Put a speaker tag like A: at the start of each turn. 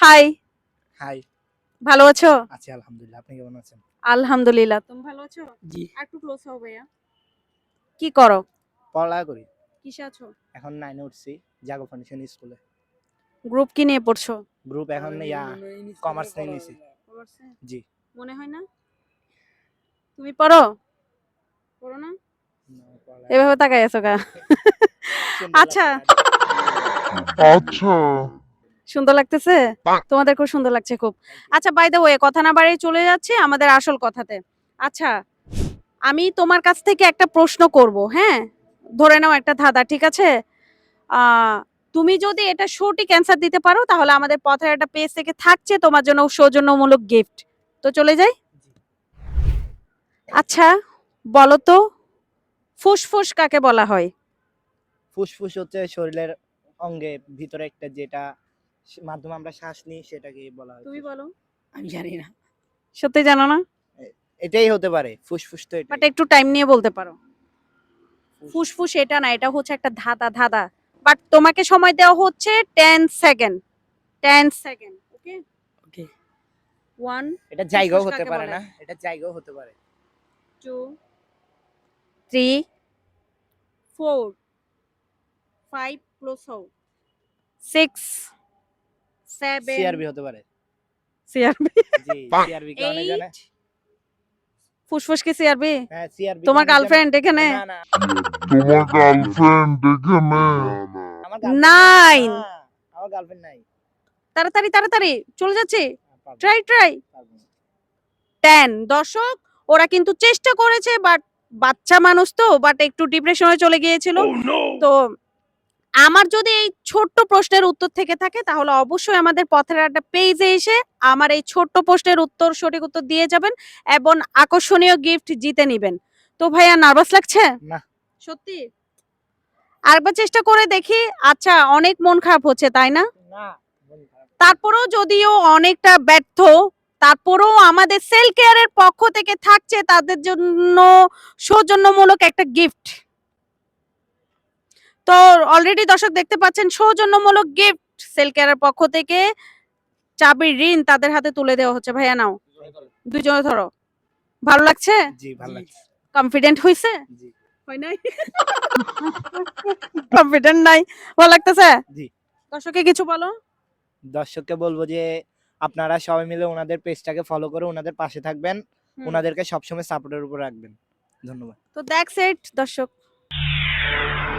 A: High.
B: High.
A: ভালো আছো?
B: আছি আলহামদুলিল্লাহ। আপনি কেমন আছেন?
A: আলহামদুলিল্লাহ। তুমি ভালো আছো?
B: জি।
A: একটু ক্লোজ হও ভাইয়া। কি করো?
B: পড়ালেখা করি।
A: কিসে আছো?
B: এখন 9 এ উঠছি জাগো ফাউন্ডেশন স্কুলে।
A: গ্রুপ কি নিয়ে পড়ছো?
B: গ্রুপ এখন কমার্স নিয়ে নিছি।
A: কমার্সে?
B: জি।
A: মনে হয় না? তুমি পড়ো? পড়ো না? এভাবে তাকাই আছো কা? আচ্ছা।
C: আচ্ছা।
A: সুন্দর লাগতেছে? তোমাদের খুব সুন্দর লাগছে খুব। আচ্ছা বাই দ্য ওয়ে কথা না বাড়িয়ে চলে যাচ্ছি আমাদের আসল কথাতে। আচ্ছা, আমি তোমার কাছ থেকে একটা প্রশ্ন করব, হ্যাঁ? ধরে নাও একটা ধাঁধা, ঠিক আছে? আ তুমি যদি এটা সঠিক অ্যান্সার দিতে পারো তাহলে আমাদের পথের একটা পেজ থেকে থাকছে তোমার জন্য সৌজন্যমূলক গিফট। তো চলে যাই? আচ্ছা, বলো তো ফুসফুস কাকে বলা হয়?
B: ফুসফুস হচ্ছে শরীরের অঙ্গে ভিতরে একটা যেটা মাধ্যমে আমরা শ্বাস নিই সেটাকে বলা হয়।
A: তুমি বলো।
D: আমি জানি না।
A: সত্যি জানো না?
B: এটাই হতে পারে। ফুসফুস তো
A: বাট
B: এটাই।
A: একটু টাইম নিয়ে বলতে পারো। ফুসফুস এটা না, এটা হচ্ছে একটা ধাঁধা। বাট তোমাকে সময় দেওয়া হচ্ছে 10 সেকেন্ড। 10 সেকেন্ড। ওকে?
D: ওকে।
A: 1
B: এটা জায়গাও
A: ফুসফুস
B: হতে
A: কাকে
B: পারে
A: বলে?
B: না? এটা জায়গাও হতে পারে।
A: 2 3 4 5 ক্লোজ হও 6 7
B: সিআরবি হতে পারে।
A: সিআরবি
B: জি, সিআরবি কে অনেক জানে।
A: 8 ফুসফুস কি সিআরবি?
B: হ্যাঁ, সিআরবি
A: তোমার
B: অনেক জানে।
A: গার্লফ্রেন্ড এখানে?
B: না, না।
C: তোমার গার্লফ্রেন্ড এখানে?
B: আমার গার্লফ্রেন্ড
A: 9
B: না। আমার গার্লফ্রেন্ড নাই।
A: তাড়াতাড়ি চলে যাচ্ছে।
B: পারবো না,
A: ট্রাই
B: পারবো না।
A: 10 দর্শক ওরা কিন্তু চেষ্টা করেছে বাট বাচ্চা মানুষ তো বাট একটু ডিপ্রেশনে চলে গিয়েছিল। তো আমার যদি এই ছোট্ট প্রশ্নের উত্তর থেকে থাকে তাহলে অবশ্যই আমাদের পথের একটা পেজে এসে আমার এই ছোট্ট প্রশ্নের উত্তর সঠিক উত্তর দিয়ে যাবেন এবং আকর্ষণীয় গিফট জিতে নেবেন। তো ভাইয়া নার্ভাস লাগছে?
B: না।
A: সত্যি? আরেকবার চেষ্টা করে দেখি। আচ্ছা, অনেক মন খারাপ হচ্ছে তাই না?
B: না। মন খারাপ।
A: তারপরেও যদিও অনেকটা ব্যর্থ, তারপরেও আমাদের সেল কেয়ারের পক্ষ থেকে থাকছে তাদের জন্য সৌজন্যমূলক একটা গিফট। তো অলরেডি দর্শক দেখতে পাচ্ছেন সৌজন্যমূলক গিফট সেল কেয়ারের পক্ষ থেকে চাবির ঋণ তাদের হাতে তুলে দেওয়া হচ্ছে। ভাইয়া নাও, দুজনে ধরো। ভালো লাগছে?
B: জি, ভালো লাগছে।
A: কনফিডেন্ট হইছে?
B: জি।
A: হয় নাই? কনফিডেন্ট নাই? ভালো লাগতেছে?
B: জি।
A: দর্শককে কিছু বলো।
B: দর্শককে বলবো যে আপনারা সবাই মিলে ওনাদের পেজটাকে ফলো করে ওনাদের পাশে থাকবেন। ওনাদেরকে সবসময় সাপোর্টের উপর রাখবেন। ধন্যবাদ।
A: তো দ্যাটস ইট দর্শক।